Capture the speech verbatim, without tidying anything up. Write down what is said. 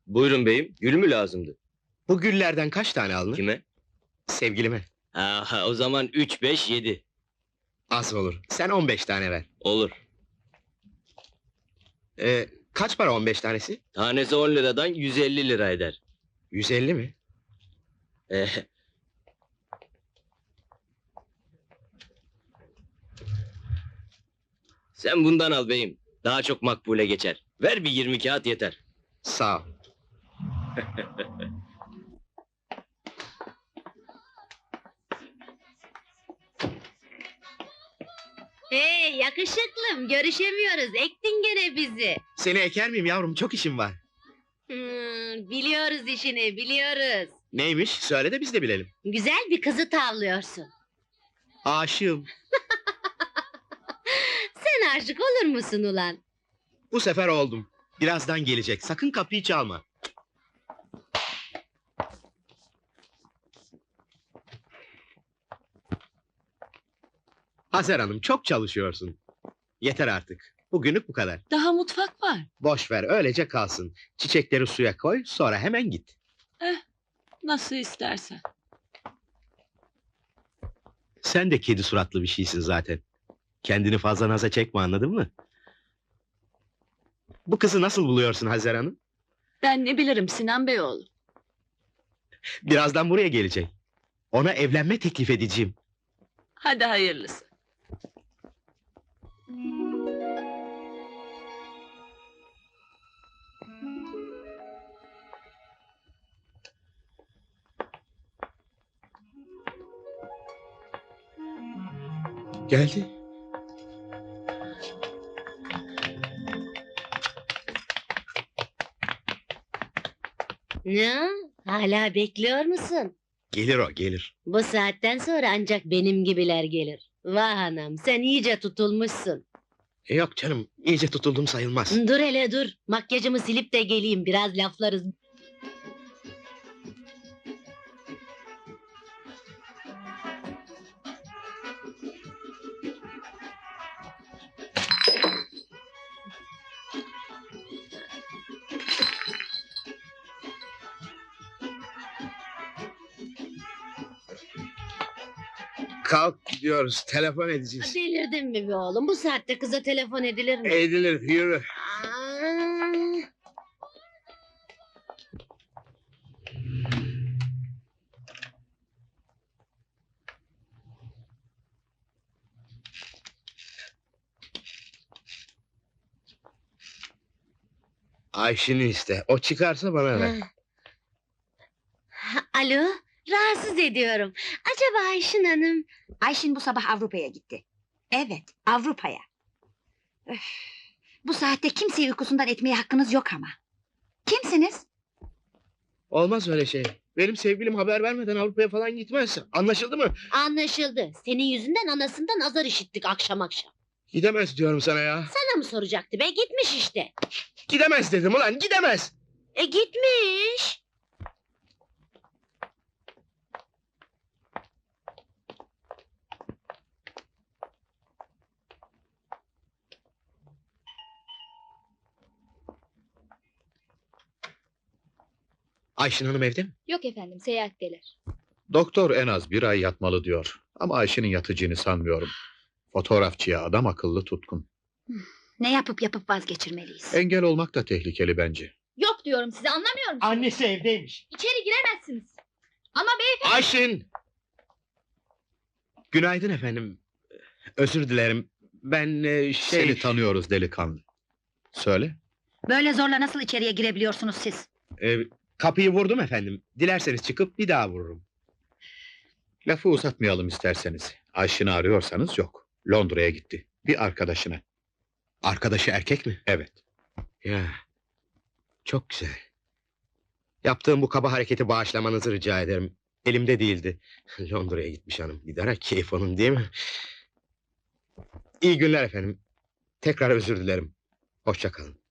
Buyurun beyim, gül mü lazımdı? Bu güllerden kaç tane alınır? Kime? Sevgilime. Aha, o zaman üç, beş, yedi. Az olur. Sen on beş tane ver. Olur. Ee, kaç para on beş tanesi? Tanesi on liradan yüz elli lira eder. yüz elli mi? Eh, Sen bundan al beyim. Daha çok makbule geçer. Ver bir yirmi kağıt yeter. Sağ ol. Hey yakışıklım, görüşemiyoruz. Ektin gene bizi. Seni eker miyim yavrum? Çok işim var. Hmm, biliyoruz işini, biliyoruz. Neymiş? Söyle de biz de bilelim. Güzel bir kızı tavlıyorsun. Aşığım. Sen aşık olur musun ulan? Bu sefer oldum. Birazdan gelecek. Sakın kapıyı çalma. Hacer Hanım, çok çalışıyorsun. Yeter artık. Bugünlük bu kadar. Daha mutfak var. Boş ver, öylece kalsın. Çiçekleri suya koy, sonra hemen git. Nasıl istersen. Sen de kedi suratlı bir şeysin zaten. Kendini fazla naza çekme, anladın mı? Bu kızı nasıl buluyorsun Hacer Hanım? Ben ne bilirim Sinan Beyoğlu. Birazdan buraya gelecek. Ona evlenme teklif edeceğim. Hadi hayırlısı. Geldi. Ne? Hala bekliyor musun? Gelir o, gelir. Bu saatten sonra ancak benim gibiler gelir. Vah anam, sen iyice tutulmuşsun. E yok canım, iyice tutuldum sayılmaz. Dur hele dur, makyajımı silip de geleyim, biraz laflarız. Kalk gidiyoruz, telefon edeceğiz. Delirdin mi be oğlum? Bu saatte kıza telefon edilir mi? Edilir, yürü. Aa! Ayşin'i iste, o çıkarsa bana ver. Ha, alo, rahatsız ediyorum. Acaba Ayşin Hanım... Ayşin bu sabah Avrupa'ya gitti. Evet, Avrupa'ya. Öf, bu saatte kimseyi uykusundan etmeye hakkınız yok ama. Kimsiniz? Olmaz öyle şey. Benim sevgilim haber vermeden Avrupa'ya falan gitmez. Anlaşıldı mı? Anlaşıldı. Senin yüzünden anasından azar işittik akşam akşam. Gidemez diyorum sana ya. Sana mı soracaktı be? Gitmiş işte. Gidemez dedim ulan, gidemez. E gitmiş. Ayşin Hanım evde mi? Yok efendim, seyahatteler. Doktor en az bir ay yatmalı diyor. Ama Ayşe'nin yatacağını sanmıyorum. Fotoğrafçıya adam akıllı tutkun. Ne yapıp yapıp vazgeçirmeliyiz. Engel olmak da tehlikeli bence. Yok diyorum size, anlamıyor musunuz? Annesi evdeymiş. İçeri giremezsiniz. Ama beyefendi... Ayşin! Günaydın efendim. Özür dilerim. Ben e, şey... Seni tanıyoruz delikanlı. Söyle. Böyle zorla nasıl içeriye girebiliyorsunuz siz? e, kapıyı vurdum efendim. Dilerseniz çıkıp bir daha vururum. Lafı uzatmayalım isterseniz. Ayşin'i arıyorsanız yok. Londra'ya gitti. Bir arkadaşına. Arkadaşı erkek mi? Evet. Ya, çok güzel. Yaptığım bu kaba hareketi bağışlamanızı rica ederim. Elimde değildi. Londra'ya gitmiş hanım. Giderek keyif onun değil mi? İyi günler efendim. Tekrar özür dilerim. Hoşça kalın.